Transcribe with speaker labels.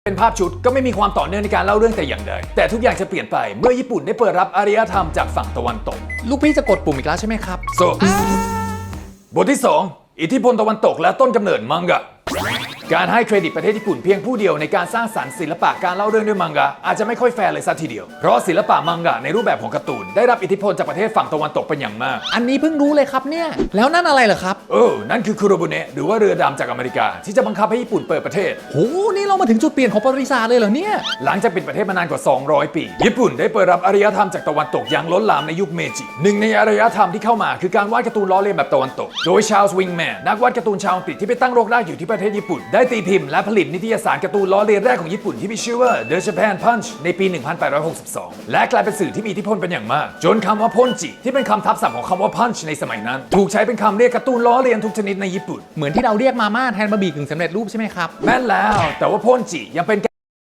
Speaker 1: เป็นภาพชุดก็ไม่มีความต่อเนื่องในการเล่าเรื่องแต่อย่างใดแต่ทุกอย่างจะเปลี่ยนไปเมื่อญี่ปุ่นได้เปิดรับอารยธรรมจากฝั่งตะวันตก
Speaker 2: ลูกพี่จะกดปุ่มอีกแล้วใช่ไหมครับ
Speaker 1: บทที่ 2 อิทธิพลตะวันตกและต้นกำเนิดมังงะการให้เครดิตประเทศญี่ปุ่นเพียงผู้เดียวในการสร้างสรรค์ศิลปะการเล่าเรื่องด้วยมังงะอาจจะไม่ค่อยแฟร์เลยซะทีเดียวเพราะศิลปะมังงะในรูปแบบของการ์ตูนได้รับอิทธิพลจากประเทศฝั่งตะวันตกเป็นอย่างมาก
Speaker 2: อันนี้เพิ่งรู้เลยครับเนี่ยแล้วนั่นอะไรเหรอครับ
Speaker 1: นั่นคือคุโรบุเนะหรือว่าเรือดำจากอเมริกาที่จะบังคับให้ญี่ปุ่นเปิดประเทศ
Speaker 2: โหนี่เรามาถึงจุดเปลี่ยนของประวัติศาสตร์เลยเหรอเนี่ย
Speaker 1: หลังจากปิดประเทศมานานกว่า200ปีญี่ปุ่นได้เปิดรับอารยธรรมจากตะวันตกอย่างล้นหลามในยุคเมจิหนึ่งในอารยธรรมที่เข้ามาคือการวาดการ์ตูนล้อเลียนแบบตะวันตกโดยชาร์ลส์วิงแมนนักวาดการ์ตูนชาวอังกฤษที่ไปตั้งรกรากอยู่ที่ประเทศญี่ปุ่นได้ตีพิมพ์และผลิตนิตยสารการ์ตูนล้อเลียนแรกของญี่ปุ่นที่มีชื่อว่า The Japan Punch ในปี 1862 และกลายเป็นสื่อที่มีอิทธิพลเป็นอย่างมากจนคำว่าพ่นจิที่เป็นคำทับศัพท์ของคำว่า punch ในสมัยนั้นถูกใช้เป็นคำเรียกการ์ตูนล้อเลียนทุกชนิดในญี่ปุ่น
Speaker 2: เหมือนที่เราเรียกมาม่าแทนบะหมี่กึ่งสำเร็จรูปใช่ไหมครับ
Speaker 1: แม่นแล้วแต่ว่าพ่นจิยังเป็น